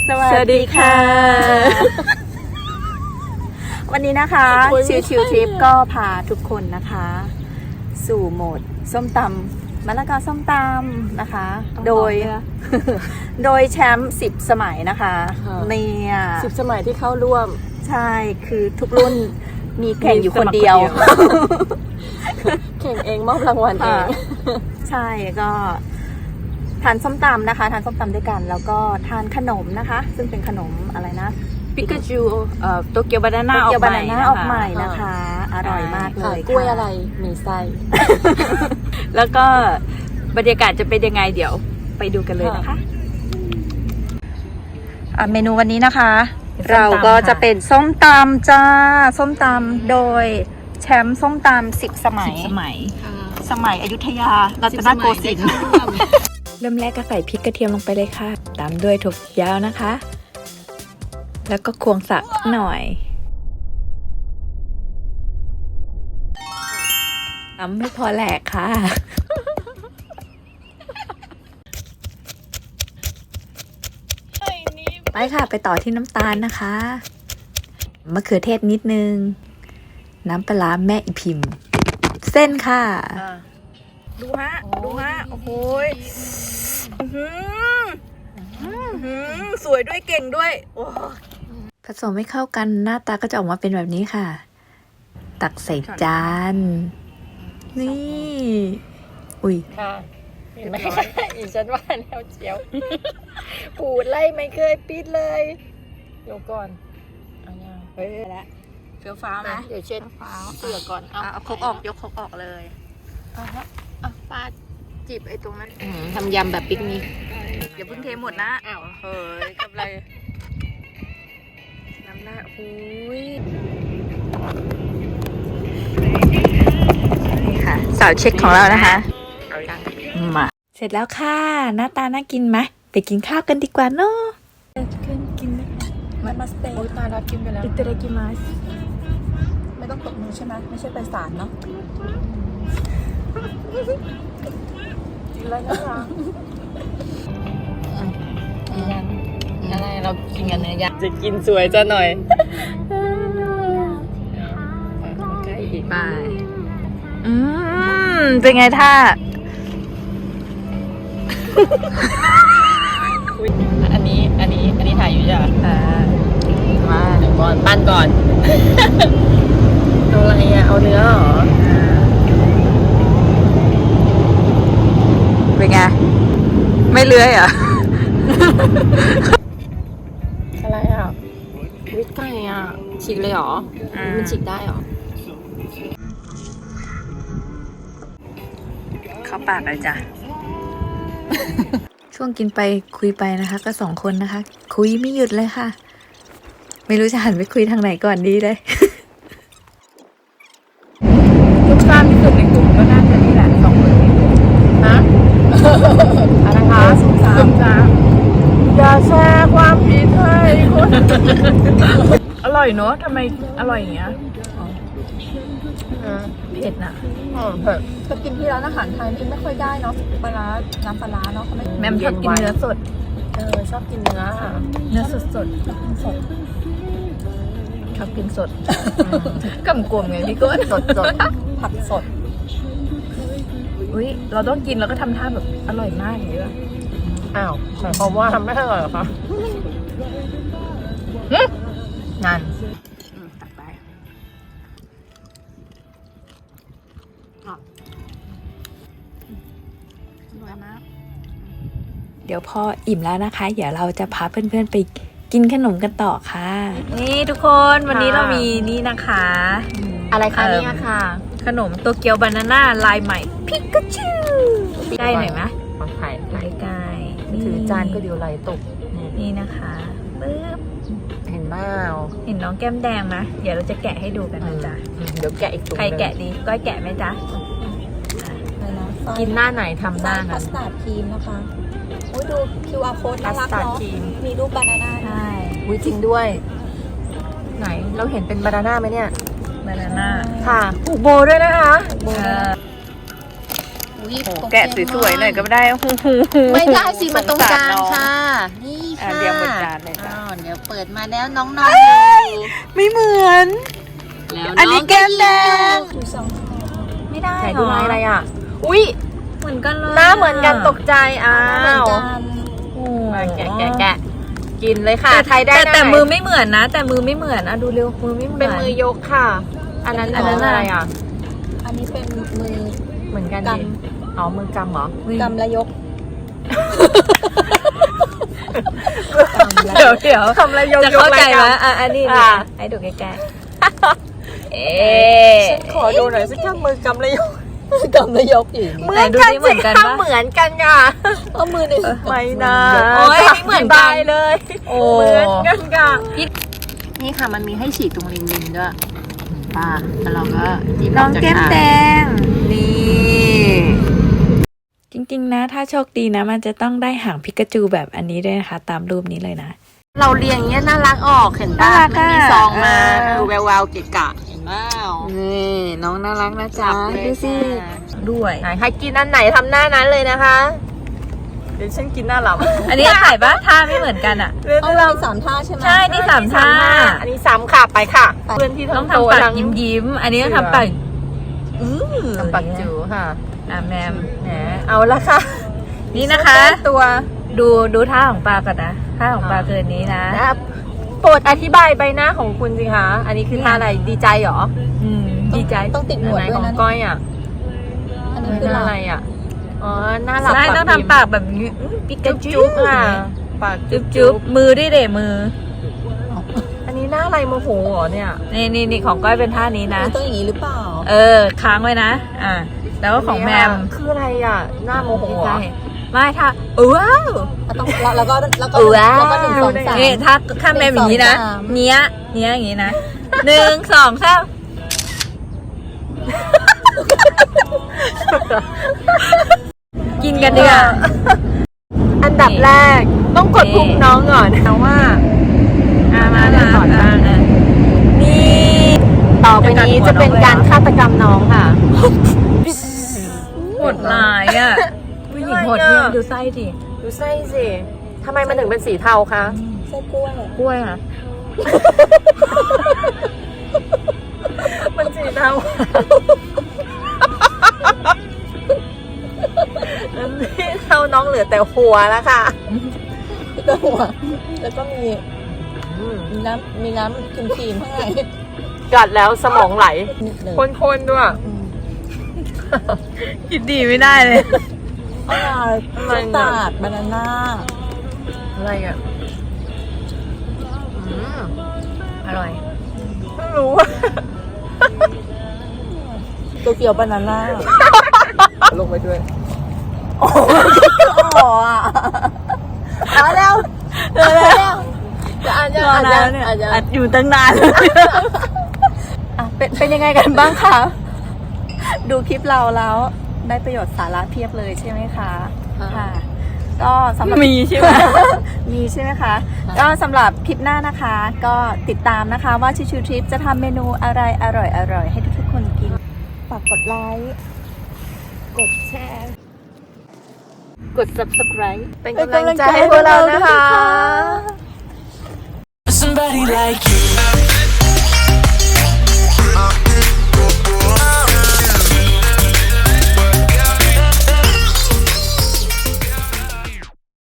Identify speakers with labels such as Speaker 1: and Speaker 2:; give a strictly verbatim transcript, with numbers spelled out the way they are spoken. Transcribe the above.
Speaker 1: สวัสดีค่ะวันนี้นะคะชิวชิวทริปก็พาทุกคนนะคะสู่โหมดส้มตำมะละกอส้มตำนะคะโดยโดยแชมป์สิบสมัยนะคะเนี่ย
Speaker 2: สิบสมัยที่เข้าร่วม
Speaker 1: ใช่คือทุกรุ่นมีแข่งอยู่คนเดียว
Speaker 2: แข่งเองมอบรางวัลเอง
Speaker 1: ใช่ก็ทานส้มตำนะคะทานส้มตำด้วยกันแล้วก็ทานขนมนะคะซึ่งเป็นขนมอะไรนะ
Speaker 2: ปิกาจูเอ่อโตเกียวบานาน่าออกใหม่
Speaker 1: ออกใหม่นะคะอร่อยมากเลย
Speaker 2: กล้วยอะไรมีไส้
Speaker 1: แล้วก็บรรยากาศจะเป็นยังไงเดี๋ยวไปดูกันเลยนะคะเมนูวันนี้นะคะเราก็จะเป็นส้มตำจ้าส้มตำโดยแชมป์ส้มตำสิบสมัยสมัยสมัยอยุธยารัตนโกสินทร์เริ่มแรกก็ใส่พริกกระเทียมลงไปเลยค่ะตามด้วยถั่วฝักยาวนะคะแล้วก็ควงสักหน่อยตำไม่พอแหลกค่ะไปค่ะไปต่อที่น้ำตาลนะคะมะเขือเทศนิดนึงน้ำปลาร้าแม่อีพิมพ์เส้นค่ะดูฮะดูฮะโอ้โหสวยด้วยเก่งด้วยผสมให้เข้ากันหน้าตาก็จะออกมาเป็นแบบนี้ค่ะตักใส่จานนี่อุ้ย
Speaker 2: ค่ะเห็นไหมอีฉันว่าแล้วเจียวปูดไล่ไม่เคยปิดเลยเดี๋ยวก่อนอันนี้เฮ้ยแล้วเฟี้ยวฟ้าวนะเดี๋ยวเช็ดฟ้าวเสือก่อน
Speaker 1: เอาครกออกยกครกออกเลย
Speaker 2: อ่ะฮะอ่ะปาดจีบไอ้ตรงนั้นทำยำแบบปิกนิก
Speaker 1: อย่าเพิ่งเทหมดนะอ้าวเฮ้ยกับอะไรน้ำหน้าอุ้ยนี่ค่ะสาวเช็คของเรานะคะมาเสร็จแล้วค่ะหน้าตาน่ากินไหมไปกินข้าวกันดีกว่าเนาะกินกินไหมมามาสเตย์
Speaker 2: โอ้ยตายแล้วกินไปแล้ว
Speaker 1: อิตาเลียกิมัสไม่ต้องตบมือใช่ไหมไม่ใช่ไปศาลเนาะ
Speaker 2: กินแล้วนะคะยังอะไรเรากินกันเนื้อย่างจะกินสวยจะหน่อยใกล้อีก
Speaker 1: ไปอืมเป็นไงท่า
Speaker 2: อันนี้อันนี้อันนี้ถ่ายอยู่จ้ะมาเดี๋ยวก่อนปั้นก่อนเอาอะไรอ่ะเอาเนื้อเหรอ
Speaker 1: เป็นไงไม่เลื้อยเหรอ
Speaker 2: อะไรอ่ะวิตไก่อ่ะฉีกเลยเหรอมันฉีกได้เหรอ
Speaker 1: เข้าปากเลยจ้ะช่วงกินไปคุยไปนะคะก็สองคนนะคะคุยไม่หยุดเลยค่ะไม่รู้จะหันไปคุยทางไหนก่อนดีเลย
Speaker 2: ลูกค้าที่สุดในกลุ่มก็น่าจะนี่แหละสองคนนี้ฮะอะไรคะซุ่มซ่ามอย่าแชร์ความผิดให้คนอร่อยเนอะทำไมอร่อยอย่างเงี้ยเผ็ดน่ะเผ็ด
Speaker 1: ก็กินที่ร้านอาหารไทยกินไม่ค่อยได้เนาะปลาร้าน้ำปลาร้าเนาะ
Speaker 2: แม่ชอบกินเนื้อสดเออชอบกินเนื้อเนื้อสดสดสดชอบกินสดกำกวมไงพี่ก้นสดสดผักสดอุ้ยเราต้องกินแล้วก็ทำท่าแบบอร่อยมากอย่างนี้ป่ะอ้าวหมายความว่าทำไม่อร่อยหรอคะนั่นตักไป
Speaker 1: เดี๋ยวพออิ่มแล้วนะคะเดี๋ยวเราจะพาเพื่อนๆไปกินขนมกันต่อค่ะนี่ทุกคนวันนี้เรามีนี่นะคะ
Speaker 2: อะไรคะนี่ค่ะ
Speaker 1: ขนมโตเกียวบานาน่าลายใหม่พิกาจูได้หน่อยไหม
Speaker 2: ขอถ่าย
Speaker 1: ใกล้
Speaker 2: ถือจานก็เดียวไหลตก
Speaker 1: นี่นะคะปึ๊บ
Speaker 2: เห็นเปล่า
Speaker 1: เห็นน้องแก้มแดงไหมเดี๋ยวเราจะแกะให้ดูกันนะจ๊ะ
Speaker 2: เดี๋ยวแกะอีกตัว
Speaker 1: ใครแกะดีก้อยแกะไหมจ๊ะ
Speaker 2: กินหน้าไหนทำหน้า
Speaker 1: นั้นพาสต้าครีมนะคะโอ้ยดู คิว อาร์ โค้ดน่ารักเนาะมีรูปบานาน่าได้
Speaker 2: อุ้ยจริงด้วยไหนเราเห็นเป็นบานาน่าไหมเนี่ย
Speaker 1: บานาน่า
Speaker 2: ค่ะผูกโบด้วยนะคะ
Speaker 1: แกะสวยๆหน่อยก็ไม่ได้
Speaker 2: ไม่ได้สิมันตรงกลางค่ะนี่ค่ะ
Speaker 1: เรียงหมดจ้าานเลยจ้ะ
Speaker 2: อ้าวเดี๋ยวเปิดมาแล้วน้องๆ
Speaker 1: ไม่เหมือน
Speaker 2: แล้ว
Speaker 1: อันนี้แก้มแดง
Speaker 2: ไม่ได้
Speaker 1: ไหน
Speaker 2: เหร
Speaker 1: ดู
Speaker 2: อ
Speaker 1: ลายอะไรอ่ะ
Speaker 2: อุ้ย
Speaker 1: เหมือนกันเลย
Speaker 2: หน้าเหมือนกันตกใจอ้า
Speaker 1: เหมือน
Speaker 2: ว
Speaker 1: กันโอ้
Speaker 2: มาแกะแกะแกะกินเลยค่ะ
Speaker 1: แต่
Speaker 2: ใครได้
Speaker 1: แต่
Speaker 2: หน้า
Speaker 1: แต่
Speaker 2: ไหน
Speaker 1: มือไม่เหมือนนะ แต่มือไม่เหมือนอ่ะดูเร็วมือไม่เหมือน
Speaker 2: เป็นมือยกค่ะ อันนั้น
Speaker 1: อันนั้นอะไรอ่ะ
Speaker 3: อันนี้เป็นมือ
Speaker 2: เหมือนกัน
Speaker 3: ก
Speaker 2: ดิอ๋อมือกำเหรอ
Speaker 3: กำและยก
Speaker 1: เดี๋ยวเดี๋ยว
Speaker 2: ทำอะไรยก
Speaker 1: จะ
Speaker 2: ยก
Speaker 1: เข้าใจ
Speaker 2: อะไร
Speaker 1: ไหม
Speaker 2: กัน
Speaker 1: อ่ะอันนี้
Speaker 2: อ่ะ
Speaker 1: ให้ดูใกล้ๆเอ๊
Speaker 2: ฉันขอดูหน่อยสิแค่มือกำแล้วยก
Speaker 3: กำและยกอยู่
Speaker 2: เหมือนกัน
Speaker 1: เหมื
Speaker 2: สิ
Speaker 1: อนกัน
Speaker 2: คะ
Speaker 1: ปะ
Speaker 2: เหมือนกันค่ะ
Speaker 3: เอามือหนึ่ง
Speaker 2: ไม่นะ
Speaker 1: โอ๊ยไม่เหมือนกัน
Speaker 2: บายเลย
Speaker 1: โอ้
Speaker 2: เหมือนกันค่ะ
Speaker 1: นี่ค่ะมันมีให้ฉีดตรงริมริมด้วย
Speaker 2: ป่าแล้วเราก็จิ้ม
Speaker 1: น้อง
Speaker 2: จาก
Speaker 1: แก้ม
Speaker 2: อ่าง
Speaker 1: แดงนี่จริงๆนะ ถ้าโชคดีนะ มันจะต้องได้หางพิกาจูแบบอันนี้ด้วยนะคะ ตามรูปนี้เลยนะ
Speaker 2: เราเรียงอย่างเงี้ยน่ารักออกเห็นป่ะ
Speaker 1: น่ารัก
Speaker 2: มันมี
Speaker 1: อะ
Speaker 2: ซองมา
Speaker 1: เออ
Speaker 2: ดูแววๆเกะกะเห็นเปล่า
Speaker 1: นี่น้องน่ารักนะจ๊ะ
Speaker 2: จับเลย
Speaker 1: ดูสิ
Speaker 2: ค่ะ
Speaker 1: ด้วย
Speaker 2: ไหนใครกินอันไหนทำหน้านั้นเลยนะคะเดี๋ยวฉันกินหน้าหลับ
Speaker 1: อันนี้ถ่ายปะท่าไม่เหมือนกันอ่ะ
Speaker 3: เอาเราสามท่าใช่ไหม
Speaker 1: ใช่ นี่สามท่า
Speaker 2: อันนี้สามค่ะไปค่ะ เพื่อนที่
Speaker 1: ต้อง
Speaker 2: ทำโต
Speaker 1: ทำปาก
Speaker 2: ทั้ง
Speaker 1: ยิ้มยิ้มๆอันนี้ต้องทำปากอื้อ
Speaker 2: ทำปากจูค่ะ
Speaker 1: อ่ะแมม
Speaker 2: แหมเอาละค่ะ
Speaker 1: นี่นะคะ
Speaker 2: ตัว
Speaker 1: ดูดูท่าของปลาก่อนนะท่าของปลาคืออันนี้นะ
Speaker 2: นะครับโปรดอธิบายใบหน้าของคุณสิคะ อันนี้คือท่าอะไรดีใจเหรอ
Speaker 1: อืมดีใจ
Speaker 3: ต้องติดหนวด
Speaker 2: ไหน
Speaker 3: ด้ว
Speaker 2: ข
Speaker 3: ย
Speaker 2: อง
Speaker 3: นะ
Speaker 2: ก้อยอ่ะ
Speaker 3: อันนี้
Speaker 2: ห
Speaker 3: คือ
Speaker 2: น้า
Speaker 3: หลั
Speaker 2: อะไร
Speaker 3: บ
Speaker 2: อ่ะอ๋อหน้าหลับ
Speaker 1: ใช่ต้อง
Speaker 2: พิมพ์
Speaker 1: ทำปากแบบนี้อื้อปิกา
Speaker 2: จุ๊บ
Speaker 1: จู
Speaker 2: จุ๊บค่ะปาก
Speaker 1: จุ๊
Speaker 2: จุ๊
Speaker 1: บบ จุ๊บมือด้วยเดมือ
Speaker 2: อันนี้หน้าอะไรโมโหเหรอเนี่ย
Speaker 1: นี่นี่นี่ของก้อยเป็นท่านี้นะ
Speaker 3: มันต้องอย่างนี้หรือเปล่า
Speaker 1: เออ ค้างไว้นะ อ่า แล้วก็ของแมม
Speaker 2: คืออะไรอ่ะ หน้าโมโหเหรอ
Speaker 1: ใช่ไม่ถ้าว้าว
Speaker 3: แล้วต้องแล้วแล้วก็แล้วก็
Speaker 1: ว้าว
Speaker 3: แล้วก็หนึ่งสองสาม
Speaker 1: นี่ถ้าถ้าแมมอย่างนี้นะ
Speaker 3: หนึ่งสองสาม
Speaker 1: เนี้ยเนี้ยอย่างนี้นะหนึ่งสองสามกินกันดีกว่า
Speaker 2: อันดับแรกต้องกดพุงน้องก่อนนะว่า
Speaker 1: อ่ามา
Speaker 2: มา
Speaker 1: มา
Speaker 2: ก่อน
Speaker 1: อ่าอ่านี่
Speaker 2: ต่อไปนี้จะเป็นการฆาตกรรมน้องค่ะ
Speaker 1: โหดร้ายอ่ะผู้หญิงโหด
Speaker 2: อะไร
Speaker 1: เยี่ย
Speaker 2: อ่ะ
Speaker 1: มดูไส้ดิ
Speaker 2: ดูไส้สิทำไมมันถึงเป็นสีเทาคะ
Speaker 3: ไส้กล้วย
Speaker 1: กล้วยค่ะ
Speaker 2: มันสีเทามันสีเทาน้องเหลือแต่หัวแล้วค่ะ
Speaker 3: แล้วก็หัวแล้วก็มี
Speaker 2: อืม
Speaker 3: มีน้ำมีน้ำครีมครีมข้างใน
Speaker 2: กัดแล้วสมองไหล
Speaker 3: นิดหนึ่ง
Speaker 2: คนๆด้วย
Speaker 3: อืม
Speaker 1: คิดดีไม่ได้เลย
Speaker 3: อร่อย
Speaker 2: อะไร
Speaker 3: ส
Speaker 2: เนี่ย
Speaker 3: ตาร์ดบานาน่า
Speaker 2: อะไรอ่ะอืม
Speaker 1: อร่อย
Speaker 2: ไม่รู้ว่า
Speaker 3: ตัวเกียวบานาน่า
Speaker 2: ลงไปด้วย
Speaker 3: อ๋ออ่ะเอาแล้วเร็วแล้วจะอ่านยังอ่านยังอ่านยัง
Speaker 1: อัดอยู่ตั้งนาน
Speaker 3: อ่ะเป็นเป็นยังไงกันบ้างคะดูคลิปเราแล้วได้ประโยชน์สาระเพียบเลยใช่ไหมคะค่ะ ก็สำหรับ
Speaker 1: มีใช่ไหม
Speaker 3: มีใช่ไหมคะ ก็สำหรับคลิปหน้านะคะ ก็ติดตามนะคะว่าชิวชิวทริปจะทำเมนูอะไรอร่อยอร่อยให้ทุกๆคนกิน ฝากกดไลค์ กดแชร์ กด subscribe
Speaker 2: เป็นกำลังใจให้พวกเรานะคะ
Speaker 4: Somebody like you.